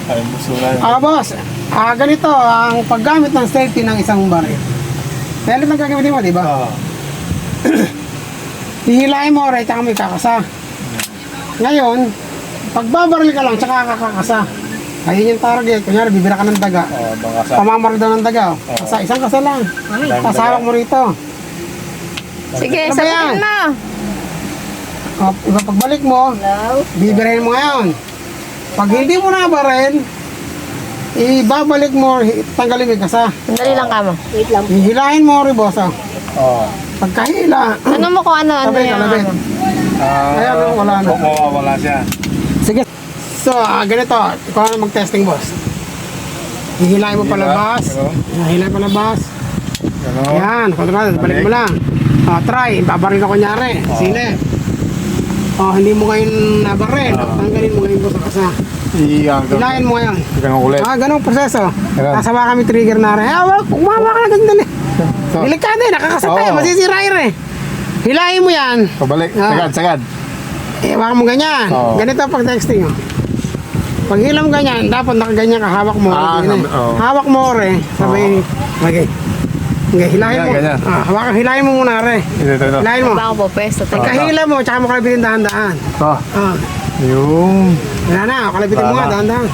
Ay, busulan. Boss, ganito ang paggamit ng safety ng isang baril. Meron lang gagamitin mo, di ba? Oo. Hihilahin mo rin, tsaka may kakasa. Ngayon, pagbabaril ka lang, tsaka kakakasa. Ayun yung target. Kunyari, bibira ka ng daga. Mga sa... Pamamaril daw ng daga. Kasa, isang kasa lang. Tapos hawak mo rito. Sige, Ano ba yan? sabihin mo. Pagbalik mo, bibirahin mo ngayon. Pag hindi mo na baril, ibabalik mo, tanggalin mo yung kasa. Sandali lang ka mo. Wait lang. Hihilahin mo rin, boss. Oo. Pagkahila, Ano mo kung ano sabi, yung kalabit. ano? Ayan, wala na. Mawawala siya. Sige. So, ganito. Ikaw na mag-testing, boss. Hihilahin mo palabas. Hihilahin palabas. Gano'n. Yan, kontrol. Balik mo lang. Try. Babaril ka kunyari. Sine. Hindi mo ngayon nabaril. Tanggalin mo ngayon, boss, ang kasa. Hilahin mo ngayon. Ganun ulit. Ganun proseso. Ganun. Kasawa kami trigger na rin. Wag, umama ka na ganyan eh. Delikado eh, nakakasat tayo. Masisira yun eh. Hilahin mo yan. Pabalik. Sagad. Hawakan mo ganyan. Ganito ang pag-texting. Pag hila mo ganyan, dapat nakaganyan ka, hawak mo. Hawak mo rin. Sabay, okay. Okay, hilahin mo. Hawakan, hilahin mo muna rin. Hilahin mo. Ba ako po pwesto? Pagkahila mo, tsaka mo kalabitin dahan-dahan. Yung... Wala na, kalabitin mo nga, dahan-dahan.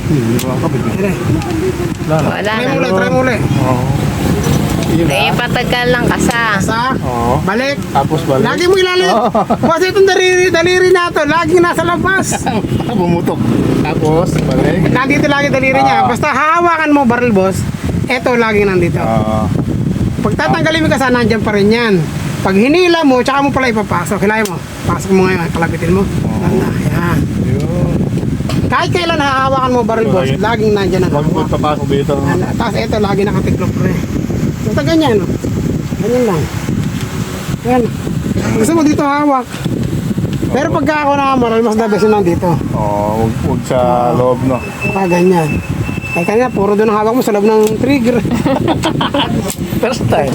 Wala Try na. mo ulit, try mo ulit. Eh, patagkan lang kasa. Kasa, balik. Tapos balik. Lagi mo ilalim. Kasi itong daliri na ito, lagi nasa labas. Bumutok. Tapos balik. Nandito lagi daliri niya. Basta hawakan mo baril, boss. Ito lagi nandito. Pag tatanggalin mo kasi, nandyan pa rin yan. Pag hinila mo, tsaka mo pala ipapasok. Hilahin mo. Pasok mo ngayon, kalabitin mo. Ayan. Kahit kailan hahawakan mo baril, boss, laging nandyan ang Huwag mo hawak. papasok dito. Tapos ito, lagi nakatiklop rin. Basta ganyan, no? Ganyan lang. Yan. Gusto mo dito hawak. Pero pagka ako nakamaril, mas the best yun nandito. Huwag sa loob, no? Ganyan. Ay kanina, puro doon ang hawak mo sa loob ng trigger. First time.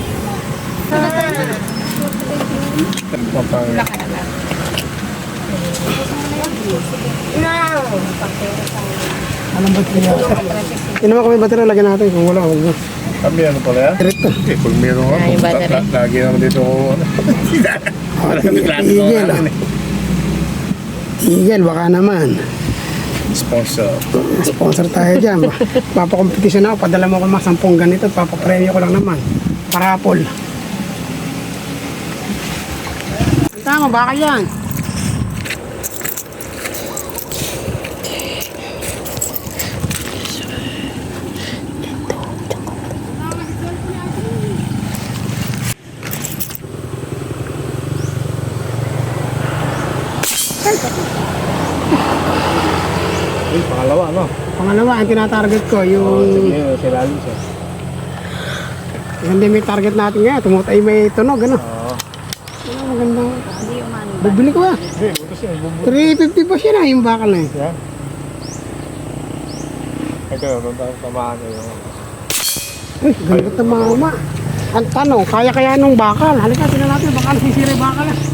Anong baterya? Tinama kami baterya, lagyan natin. Kung wala, huwag mo. Kami ano pala yan? Diretto. Pag meron ka, Yung battery. lagi naman dito ako. Eagle, Eagle, baka naman. Sponsor. Sponsor tayo dyan. Papakompetisyon ako, padala mo ko mga 10 ganito, papapremyo ko lang naman. Parapol. Tama, baka yan. Pangalawa, no? Pangalawa, ang tinatarget ko, yung... Sige, silalim siya. Hindi may target natin nga, tumutay may tunog, ano? Ano, magandang... Bibili ko ba? Hindi, buto siya. 350 pa siya na, yung bakal na yun. Yan. Ito, nung tamaan niya yung... Uy, ganda tamama. Ang tanong, kaya nung bakal? Halika, tingnan natin, baka nasisira yung bakal na.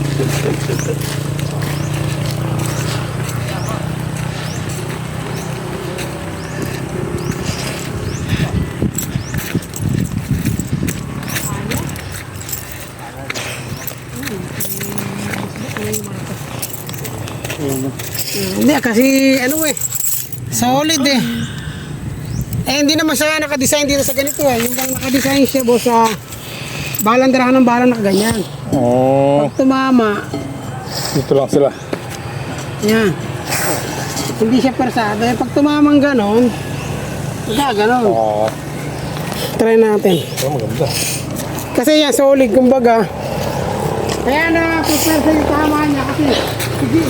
Hindi, kasi ano eh, solid eh. Hindi naman siya nakadesign dito sa ganito eh. Yung bang nakadesign siya, boss, sa balandarahan ng bala nakaganyan. Pag tumama, Dito lang sila. yan. Hindi siya persado. Pag tumamang ganon, ganon. Try natin. Maganda. Kasi yan, solid, kumbaga. Kaya na, prepare sa yung tama niya kasi, sige.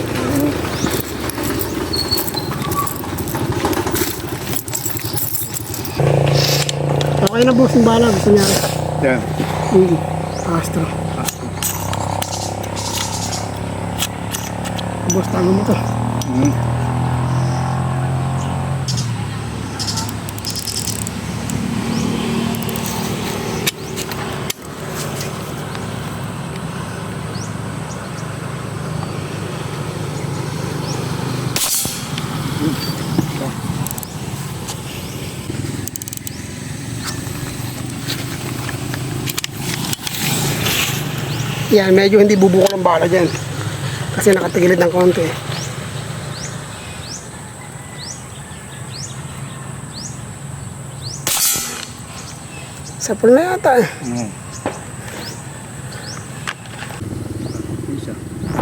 Okay na, boss, yung bala. Gusto niya. Yan. Astro. Boss, tago mo to. Yan, medyo hindi bubukol ang bala dyan. Kasi nakatigilid ng konti. Sapul na yata eh. Isa.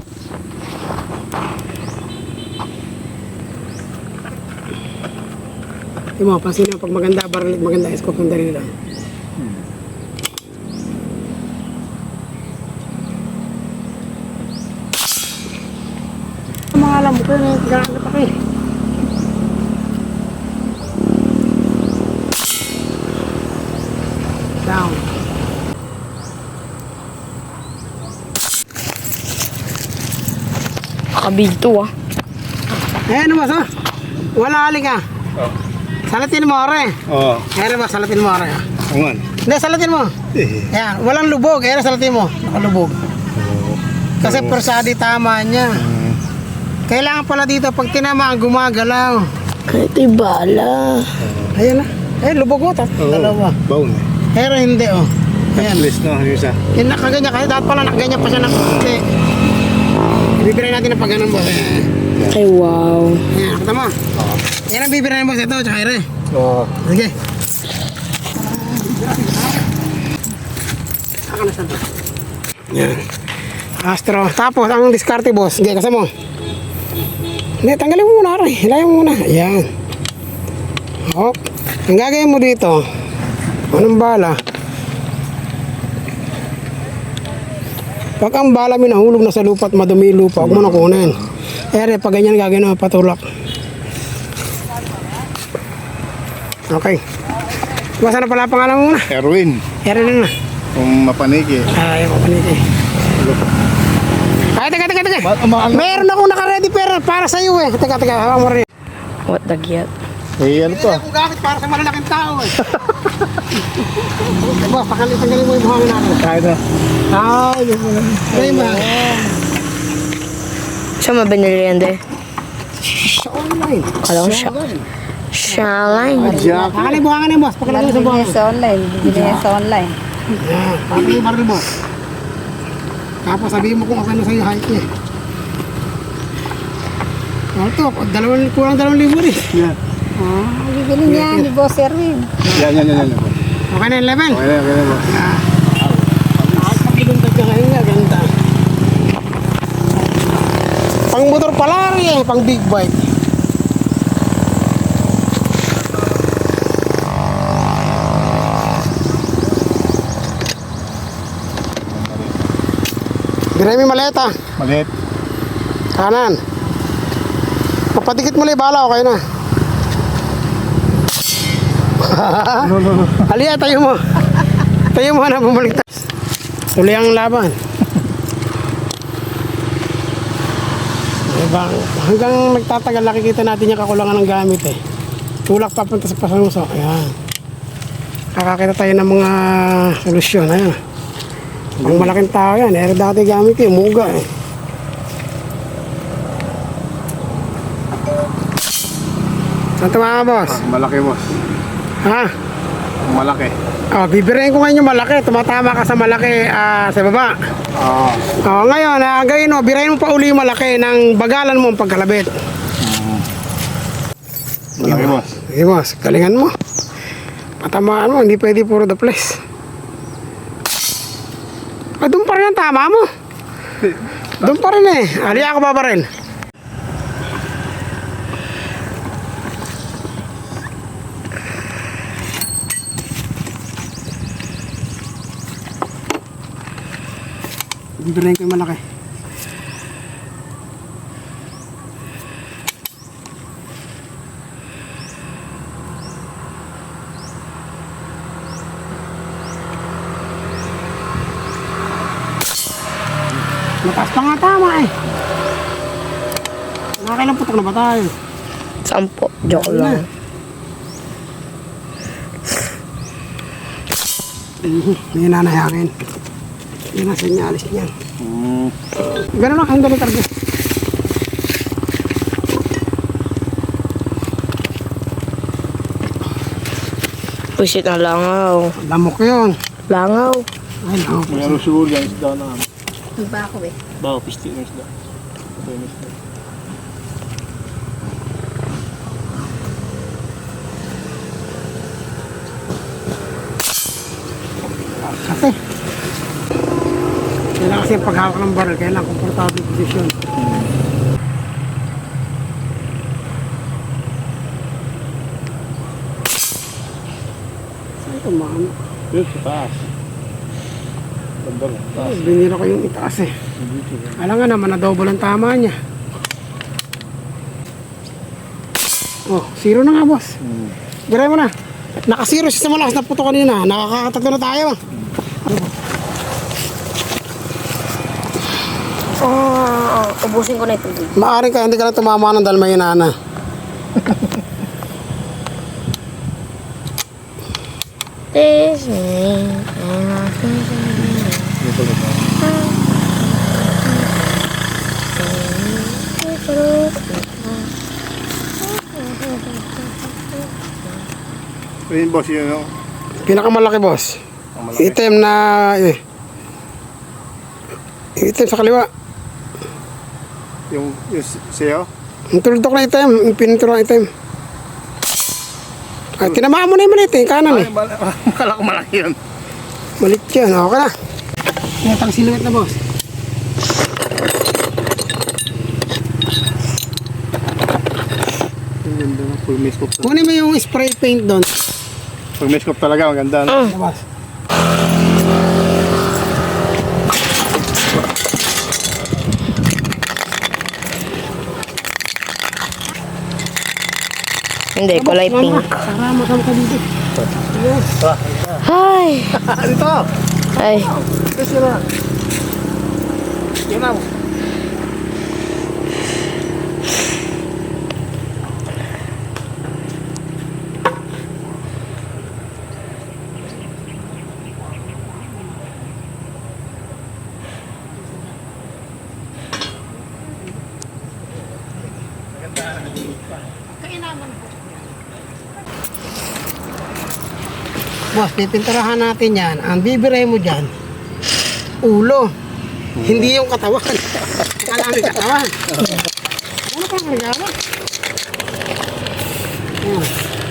Di mo, pansin mo, pag maganda baril, maganda scope ng dalili lang. Mga alam mo ko yun, nagkakalap ako eh. Down. Kabito ah. Ayan mo, so. Wala aling ah. Oh. Salatin mo, ore. Oo. Ayan ba, salatin mo, ore. Angan. Hindi, salatin mo. Ayan, walang lubog. Ayan, salatin mo. Nakalubog. Kasi persadi tama niya. Kailangan pala dito, pag tinamaan, gumagalaw. Kahit bala. Ayan na. Ayan, lubog mo. Dalawa. Baon. Pero hindi, oh. Ayan. List no, yung isa. Yan, nakaganyan. Kasi dapat pala nakaganyan pa siya ng konti. Ibibiray natin ng pag-ganon, boss. Ay, wow. Ayan, nakita mo. Yan ang bibiray mo, boss. Ito, tsaka ere. Oo. Sige. Saka na saan. Yan. Astro. Tapos, ang diskarte, boss. Sige, kasama mo. Hindi, tanggalin mo muna, Aray. Hilayan mo muna. Ayan. Ok. Ang gagawin mo dito, anong bala? Pag ang bala mo nahulog na sa lupa at madumi yung lupa, huwag mo na kunin. Ere, pag ganyan gagawin mo, patulak. Okay. Basta na pala ang pangalan mo muna. Erwin. Ere na. Kung mapaniki. Ay, mapaniti. Ay, teka. Meron akong naka-ready para sa iyo eh. Teka, hawak mo rin. What the gyat? Eh, ano to? Kung gamit para sa malalaking tao eh. Boss, tanggalin mo yung buhangin natin. Kahit na. Ay, ayun ba? Siya mabinili yan de. Sa online. Kala ko siya. Shaline. Jack. Tanggalin yung buhangin niya, boss. Pagkalagay mo sa buhangin. Sa online, bibili niya sa online. Yan, tanggalin yung baril, boss. Tapos sabihin mo kung ano sa'yo height niya. Ano to? Kurang 2,000 eh. Yan. Bibili niya ni Boss Erwin. Yan. Okay na yung level? Okay na, boss. Pagilundag ka ngayon nga, ganda. Pang motor pala rin eh, pang big bike. Diray mo yung maleta. Maliit. Kanan. Papadikit mo lang yung bala, okay na. No. Aliya, tayo mo. Tayo mo na, bumalik tayo. Uli ang laban. Diba? Hanggang nagtatagal, nakikita natin yung kakulangan ng gamit eh. Tulak papunta sa pasanuso. Ayan. Kakakita tayo ng mga solusyon. Ayan. Ang malaking tao yan. Eh, dati gamit yung muga eh. Saan tumama, boss? Malaki, boss. Ha? Malaki. Oh, bibirayin ko ngayon yung malaki. Tumatama ka sa malaki sa baba. Oo. Oh, ngayon, gawin mo, birayin mo pa uli yung malaki ng bagalan mo ang pagkalabit. Malaki, boss. Sige, boss, galingan mo. Patamaan mo, hindi pwede puro the place. Doon pa rin ang tama mo. Doon pa rin eh. Aliya ako pa rin. Bibirayin ko yung malaki. Mataas pa nga tama eh. Nakakailang putok na ba tayo? 10. Joke lang. Hindi nanayakin. Hindi na senyalis niyan. Ganun lang, ang galing target. Pusit na langaw. Lamok yun. Langaw. Ay, lamok. Meron siguro yan isda na. Iba ako eh. Bawa, pisti ng isda. Ito yung isda. Kasi. Kailangan kasi yung paghawak ng baril, kailangan komportable position. Saan ito, ma'am? Yun, sa taas. Ganda lang. Taas. Binira ko yung itaas eh. Dito yan. Alam nga naman na double ang tama niya. Oh, zero na nga, boss. Biray mo na. Naka-zero siya sa malakas na puto kanina. Nakakatatlo na tayo. Ubusin ko na ito. Maaring ka, hindi ka na tumama ng dahil may inana. This me. Dito lang. Ayun, boss, yun, no? Pinakamalaki, boss. Ang malaki. Item na... Item sa kaliwa. Yung sayo? Ang tuldok na item. Yung pininturo na item. Ay, tinamaan mo na yung maliit eh. Kanan eh. Kala ko malaki yun. Malit yan. Okay na. Netang siluet na, boss. Ang ganda na. Full miskop. Kunin mo yung spray paint doon. Full miskop talaga, ang ganda. No? Boss. Hindi, kulay pink. Sarama ka dito. Hi! Dito! Ay, Ito na. Yan na. Boss, pipinturahan natin yan. Ang bibiray mo dyan, ulo. Hindi yung katawan. Kala mo yung katawan. Ano pa ang regalo? Ayan.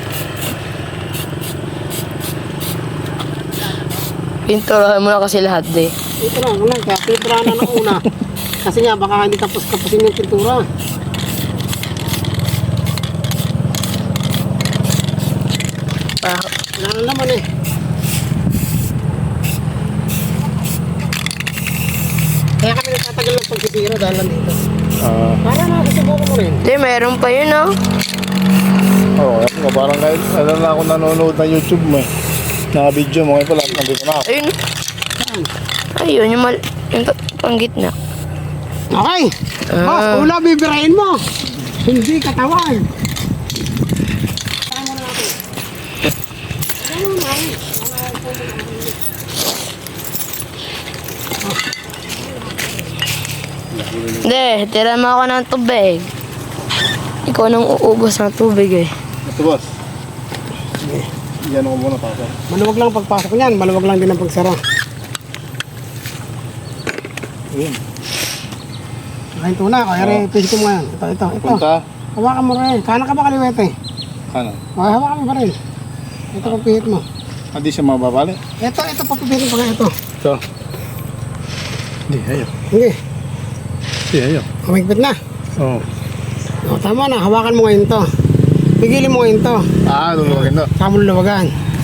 pinturahan mo na kasi lahat eh. Ito lang. Kaya pinturahan na ng una. Kasi nga, baka hindi kapos-kaposin yung pintura. Wala na naman eh. Kaya kami nagtatagal ng pagsisira dahil lang dito. Para nakasubukan mo rin. Hindi, meron pa yun oh. Oo, parang kahit alam na ako nanonood ng YouTube mo eh. Naka-video mo, ngayon pala, nandito na ako. Ayun. Saan? Ayun, yung panggitna. Okay. Boss, ulo bibirahin mo. Hindi katawan. Tama na natin. Tama na natin. Hindi, tira mo ako ng tubig. Ikaw nang uubos ng tubig eh. Ito, boss. Yan ako muna pa ako. Maluwag lang pagpasok niyan. Maluwag lang din ang pagsara. Ayun. Kain tuna. Kaya rin, pinto mo yan. Ito. Punta. Hawakan mo rin. Kanan ka ba kaliwete? Ano? Okay, hawakan mo pa rin. Ito papihit mo. Hindi siya mababali. Ito papipitin pa nga ito. Ito. Hindi, ayaw. Hindi. Hindi, ayaw. Kumigpit na. Oo. O, tama na. Hawakan mo ngayon to. Pigilin mo ngayon to. Luluwagin na. Saka mo lulawagan.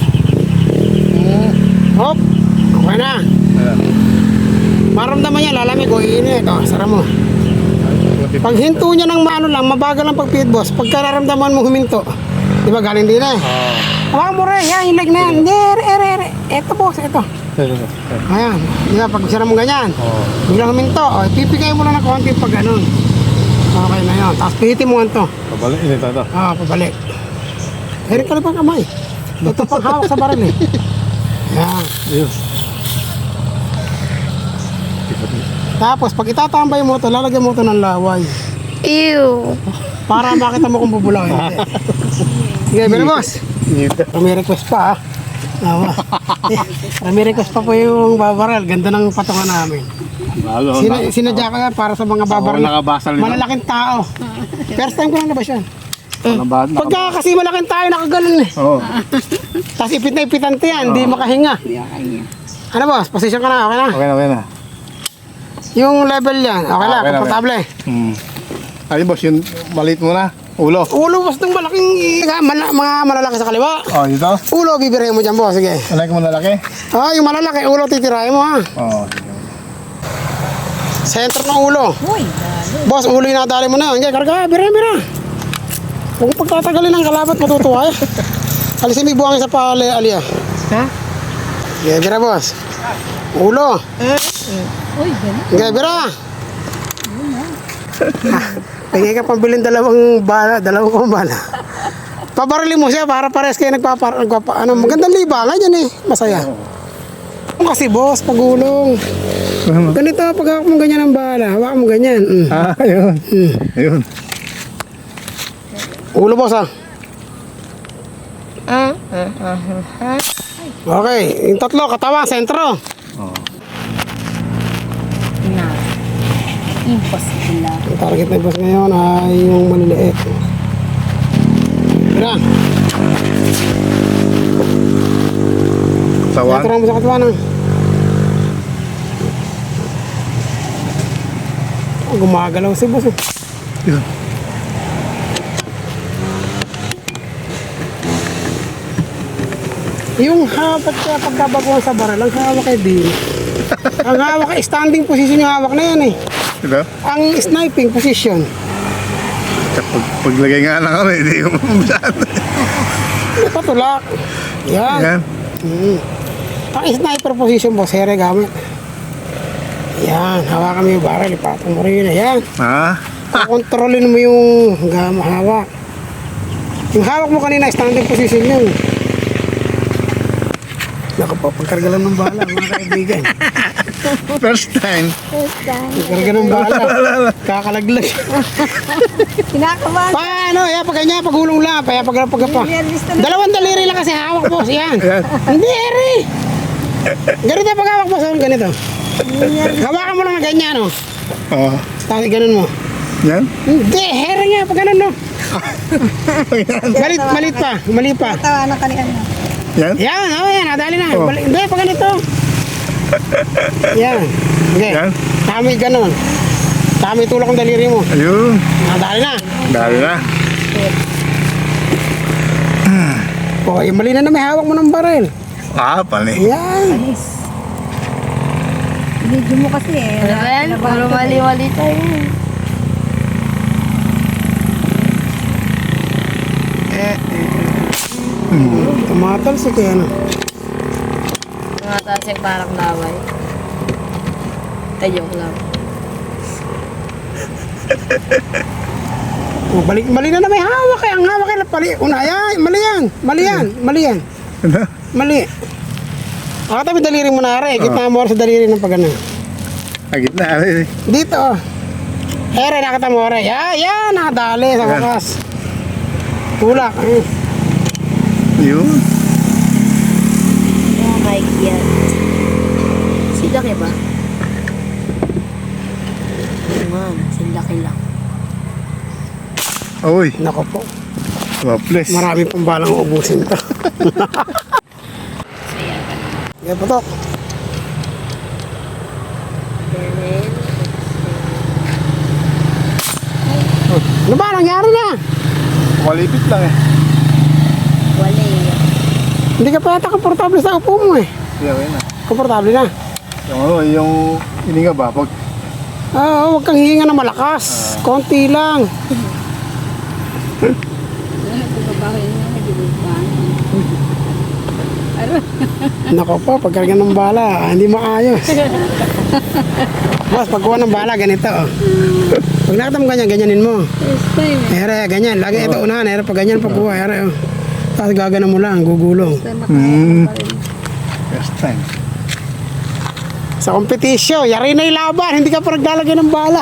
Hop. Okay na. Ayan. Maramdaman niya, lalamig o iinit. O, sara mo. Pag hinto niya ng maano lang, mabagal ang pagpihit, boss. Pagka naramdaman mo huminto, di ba galing din eh. Hawakan mo rin. Yan, yung leg na yan. Hindi, ere. Ito, boss. Ito. Ayan. Di ba, pag sara mo ganyan, biglang huminto. O, pipigay mo lang ng konti pag ganun. Okay na yun. Tapos pihitin mo ito. Pabalik, init ito. Pabalik. Erik ka na pang kamay. Ito pang hawak sa baril eh. Yan. Ayun. Tapos, pag itatambay mo ito, lalagyan mo ito ng laway. Ew. Para makita mo kung bubulaw. Hindi. Sige, pero boss. May request pa May request pa po yung babaral. Ganda ng patungan namin. Bago. Sinadya ko yan para sa mga babaril. nakabasal nito. Malalaking tao. First time ko lang nabas yan. Nakabasal. Pagka kasi malaking tayo, nakagalan eh. Oo. Tapos ipit na ipitante yan, hindi makahinga. Ano boss, position ka na, okay na? Okay na. Yung level yan, okay na, Okay na, komportable. Ayun boss, yung maliit mo na. Ulo. Ulo boss ng malaking, mga malalaki sa kaliwa. Oh, dito. Ulo, bibirahin mo dyan boss, sige. Alay ko mo lalaki. Yung malalaki, ulo titirahin mo ha. Oo. Sentro ng ulo. Uy, Boss, ulo yung nadali mo na. Hindi, karga, bira. Huwag mo pagtatagalin ng kalabat, matutuwa eh. Alisin mo yung buhangin sa pali, Alia. Ha? Sige, bira boss. Ulo. uy, ganun. Sige, bira. Pagay ka pambilin dalawang bala. Pabarili mo siya para pares kayo magandang libangan yan eh. Masaya. Kasi boss, pagulong. Ganito, pag hawak mo ganyan ang bala, hawak mo ganyan. Ayun. Ayun. Ulo boss ah. Okay, yung tatlo, katawa, sentro. Na. Impossible lang. Ang target na boss ngayon ay yung maliliit. Mira, Tawan. sentro mo sa katawanan. Gumagalaw si boss eh. Yun. Yung hawak kaya pagkabaguhan sa baril, ang hawak ay di. Ang hawak ay standing position yung hawak na yan eh. Diba? Ang sniping position. Paglagay nga lang kami, hindi ko mabusan. Patulak. Yan. Yan. Ang sniper position boss, here gamit. Yan, hawakan mo yung baril, ipatong mo rin. Yan. Ha? Kontrolin mo yung hawak. Yung hawak mo kanina, standing position yun. Nakapapagkarga lang ng bala, mga kaibigan. First time. Pagkarga ng bala, kakalaglag. Kinakabahan. Paano? Yan, pag ganyan, pagulong lang. Pag pa. Dalawang daliri lang kasi hawak boss, yan. Hindi, eri. Ganito pag hawak boss, ganito. Hawakan mo lang na ganyan, no? Oo. Tapos ganun mo. Yan? Hindi, here nga, pag ganun, no? Mali pa. Tawanan ka ni ano. Yan? Yan, yan, nadali na. Oh. Hindi, pag ganito. Yan. Okay. Yan? Kami ganun. Kami tulak ang daliri mo. Ayun. Nadali na. Dali na. Okay, mali na may hawak mo ng baril. Pali. Yan. Alis. Video mo kasi eh. Ano ba yan? Puro mali-mali tayo. Tumatal si kaya ano. Mga tasig parang laway. Ay, joke lang. Balik, mali na may hawak eh. Ang hawak ay pali. Yan, mali yan. Mali. Tabi daliri mo na rin. Gitna mo sa daliri ng pagana. Agit na. Ay. Dito oh. Ere, nakita mo rin. Yan, nakadali sa wakas. Tulak. Yun. Oh my God. Silaki ba? Man, silaki lang. Uy. Nako po. Waples. Marami pang balang ubusin to. Yan po to. Ano ba? Nangyari na? Malipit lang eh. Wala eh. Hindi ka pa yata komportable sa upo mo eh. Yeah, na. Komportable na. Yung ano, yung hininga ba? Pag Huwag kang hihinga na malakas. Konti lang. Nako po, pagkarga ng bala, hindi maayos. Boss, pagkuha ng bala, ganito. Oh. Pag nakita mo ganyan, ganyanin mo. Here, ganyan. Lagi ito unahan. Here, pag ganyan pagkuha. Here, oh. Tapos gagana mo lang, gugulong. first time. Sa kompetisyon, yari na yung laban. Hindi ka pa naglalagay ng bala.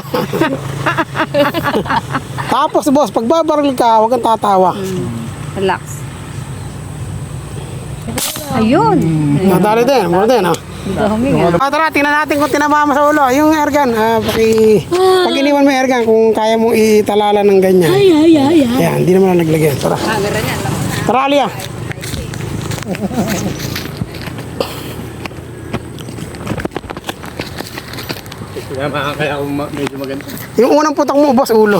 Tapos, boss, pag babaril ka, huwag kang tatawa. Relax. Ayun. Nadali din, mo din, oh. Hindi ka huminga. Tara, tingnan natin kung tinamama sa ulo. Yung airgun, pag iniwan mo yung airgun, kung kaya mo italala ng ganyan. Ayan, hindi naman na naglagyan. Tara. Tara, Alia. Kaya ako medyo maganda. Yung unang putok mo, boss, ulo.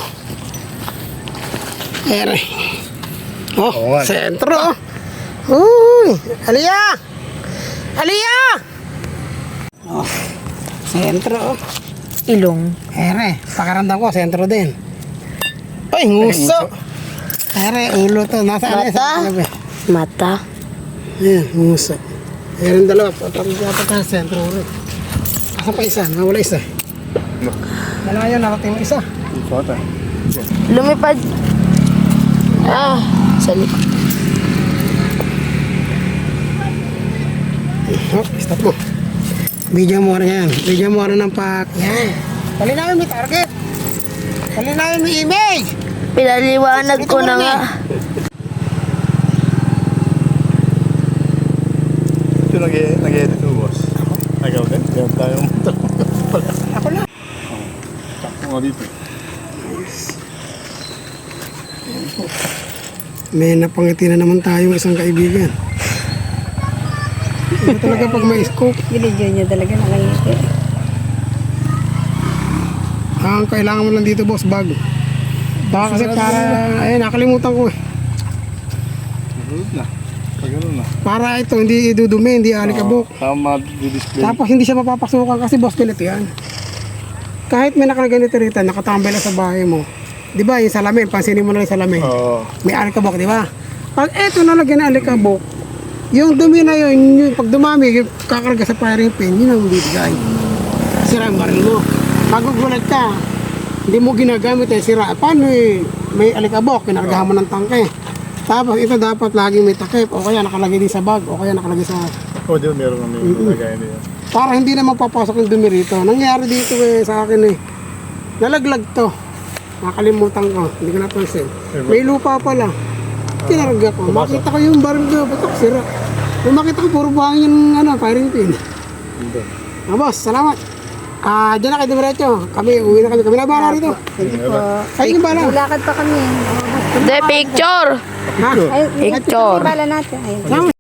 Ere. Oh, Oo nga. sentro. Uy, Alia! Alia! Oh, sentro. Ilong. Ere, pakaramdam ko, sentro din. Ay, nguso. Ere, ulo to. Nasaan Mata? na? Mata. Ayan, nguso. Ere, dalawa. Dapat ka sentro ulit. Asa pa isa? Nawala isa. Dalawa yun, narating mo isa. Ito ata. Lumipad. Sa likod. Oh, stop mo. Video mo rin yan. Video mo rin ng pack. Yan. Palinawin mo yung target. Palinawin mo yung image. Pinaliwanag ko na nga. Ito nag-edit mo, boss. Agaw din. Kaya tayo Ako na. Takpo nga dito. May napangiti na naman tayong isang kaibigan. Ito talaga pag may scope. Binidyo niya talaga nakangiti. Ang kailangan mo lang dito, boss, bag. Baka kasi para, nakalimutan ko eh. Nasunod na. Pag gano'n na. Para ito, hindi idudumi, hindi alikabok. Tama di-display. Tapos hindi siya mapapasukan kasi boss ganito yan. Kahit may nakaganito rito, nakatambay lang sa bahay mo. Di ba, yung salamin, pansinin mo na yung salamin. Oo. May alikabok, di ba? Pag eto nalagyan ng alikabok, yung dumi na yun, yung pag dumami, yung kakarga sa firing pin, yun ang bibigay. Sira ang baril mo. Magugulat ka, hindi mo ginagamit eh, sira. Paano eh, may alikabok, kinargahan mo ng tangke. Tapos ito dapat laging may takip, o kaya nakalagay din sa bag, o kaya nakalagay sa... Oh, di ba meron kami nilagay niya. Para hindi na mapapasok yung dumi rito. Nangyari dito eh, sa akin eh. Nalaglag to. Nakalimutan ko, hindi ko napansin. May lupa pala. Kinarga ko. Makita ko yung baril ko, batok sira. Nung makita ko, puro buhangin yung firing pin. Boss, salamat. Diyan na kayo dumiretso. Kami, uwi na kami. Kami na bahala rito. Sige po. Kayo yung bahala. Lakad pa kami. Hindi, picture. Ha? Ay, Picture. bala natin. Ayun. Salamat.